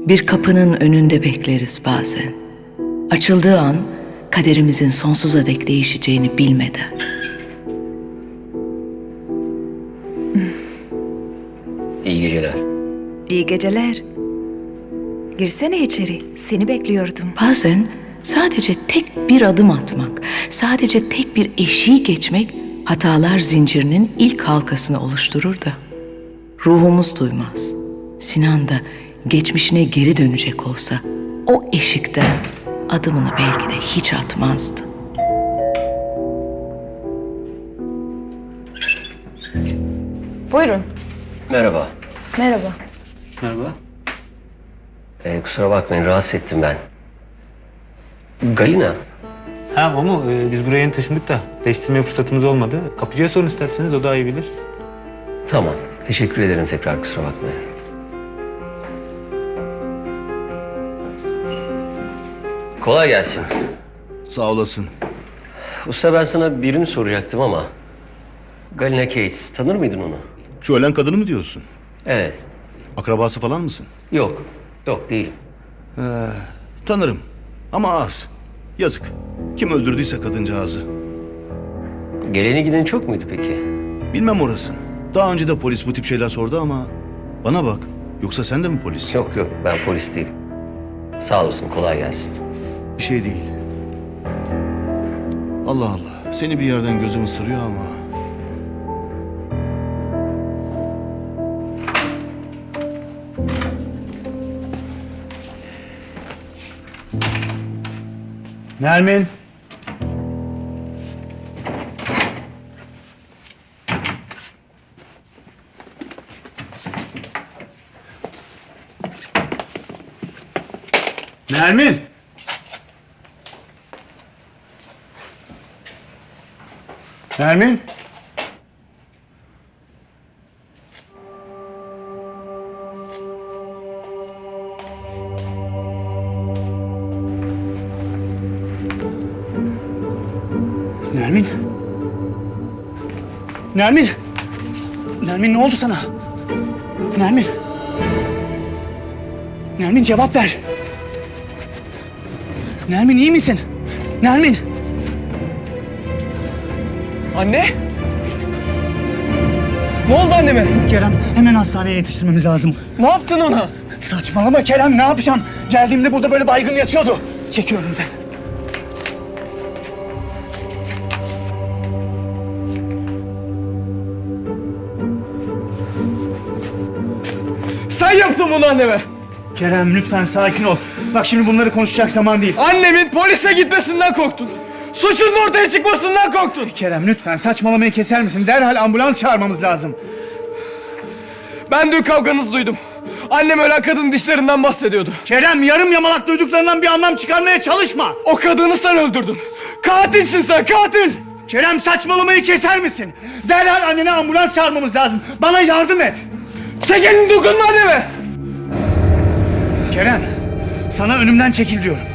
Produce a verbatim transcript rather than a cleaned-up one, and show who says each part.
Speaker 1: Bir kapının önünde bekleriz bazen. Açıldığı an kaderimizin sonsuza dek değişeceğini bilmeden.
Speaker 2: İyi geceler.
Speaker 3: İyi geceler. Girsene içeri. Seni bekliyordum.
Speaker 1: Bazen sadece tek bir adım atmak, sadece tek bir eşiği geçmek hatalar zincirinin ilk halkasını oluşturur da ruhumuz duymaz. Sinan da geçmişine geri dönecek olsa o eşikten adımını belki de hiç atmazdı.
Speaker 3: Buyurun.
Speaker 2: Merhaba.
Speaker 3: Merhaba.
Speaker 4: Merhaba.
Speaker 2: Ee, kusura bakmayın, rahatsız ettim ben. Galina.
Speaker 4: Ha o mu? Ee, biz buraya yeni taşındık da değiştirme fırsatımız olmadı. Kapıcıya sorun isterseniz, o daha iyi bilir.
Speaker 2: Tamam. Teşekkür ederim tekrar, kusura bakmayın. Kolay gelsin.
Speaker 5: Sağ olasın.
Speaker 2: Usta, ben sana birini soracaktım ama... Galina Cates, tanır mıydın onu?
Speaker 5: Şu ölen kadını mı diyorsun?
Speaker 2: Evet.
Speaker 5: Akrabası falan mısın?
Speaker 2: Yok. Yok, değilim.
Speaker 5: Tanırım. Ama az. Yazık. Kim öldürdüyse kadıncağızı.
Speaker 2: Geleni gideni çok muydu peki?
Speaker 5: Bilmem orasını. Daha önce de polis bu tip şeyler sordu ama... Bana bak. Yoksa sen de mi polis?
Speaker 2: Yok yok, ben polis değilim. Sağ olasın, kolay gelsin.
Speaker 5: Bir şey değil. Allah Allah. Seni bir yerden gözüm ısırıyor ama...
Speaker 6: Nermin. Nermin. Nermin. Nermin. Nermin. Nermin, ne oldu sana? Nermin. Nermin, cevap ver. Nermin, iyi misin? Nermin.
Speaker 7: Anne? Ne oldu anneme?
Speaker 6: Kerem, hemen hastaneye yetiştirmemiz lazım.
Speaker 7: Ne yaptın ona?
Speaker 6: Saçmalama Kerem, ne yapacağım? Geldiğimde burada böyle baygın yatıyordu. Çekil önümden.
Speaker 7: Sen yaptın bunu anneme.
Speaker 6: Kerem, lütfen sakin ol. Bak şimdi bunları konuşacak zaman değil.
Speaker 7: Annemin polise gitmesinden korktun. Suçun ortaya çıkmasından korktun.
Speaker 6: Kerem, lütfen saçmalamayı keser misin? Derhal ambulans çağırmamız lazım.
Speaker 7: Ben dün kavganızı duydum. Annem ölen kadının dişlerinden bahsediyordu.
Speaker 6: Kerem, yarım yamalak duyduklarından bir anlam çıkarmaya çalışma.
Speaker 7: O kadını sen öldürdün. Katilsin sen, katil.
Speaker 6: Kerem, saçmalamayı keser misin? Derhal annene ambulans çağırmamız lazım. Bana yardım et.
Speaker 7: Çek elini, dokunma anneme.
Speaker 6: Kerem, sana önümden çekil diyorum.